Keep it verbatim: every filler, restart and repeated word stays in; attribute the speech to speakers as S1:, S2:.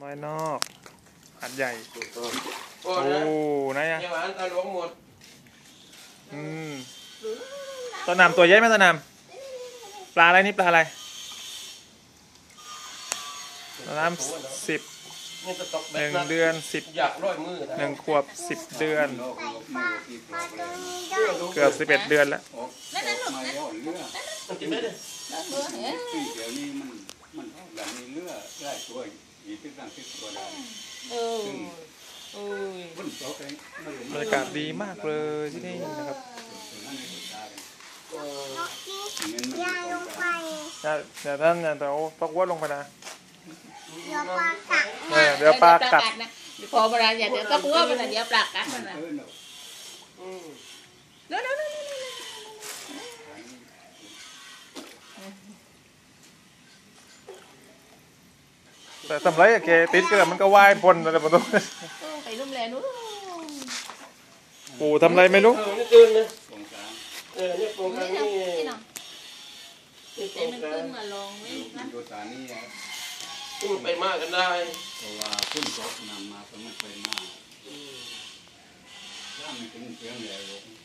S1: ไม้นอกหัดใหญ่
S2: โอ้
S1: ไหนอะ
S2: ยังหวานตาหลวงหมด
S1: อืมต้นน้ำตัวใหญ่ไหมต้นน้ำปลาอะไรนี่ปลาอะไรต้นน้ำสิบหนึ่งเดือนสิบ
S2: อยากร้อยมือ
S1: หนึ่งขวบสิบเดือนเกือบสิบเอ็ดเดือนแล้ว
S3: นั่นนั่นหลุดนะ
S2: มันกินได้เลย
S4: เดี๋ยวนี้มันมันแบบมีเลือดได้ตัวอีกที่ตั้งที่ตัวได้
S3: เออเออ
S4: บร
S1: รรยากาศดีมากเลยที่นี่นะครับ
S5: ยางลงไป
S1: เดี๋ยวท่านเดี๋ยวตกวัดลงไปนะ
S5: เดี๋ยวปลากัด
S1: เดี๋ยวปลากัด
S3: นะพอเวลาอย่าเดี๋ยวก็กลัวมันเดี๋ยวปลากัดมันนะเดี๋ยวเดี๋ยว
S1: แต่ทำไรอะแกติดก็มันก็ว่ายพ้นอะไรประตู
S3: ไปลุ่มแลนู้น
S1: ปู่ทำไรไม่รู้
S2: นี่ตื่นเลยเออนี่โปรงกลางนี่
S3: แต่มันขึ้นมาลงไว้นะ
S4: โยธานี่
S2: มันไปมากกันได้
S4: เพราะว่าขึ้นรถนำมาก็ไม่ไปมากถ้ามันถึงเพียงแล้ว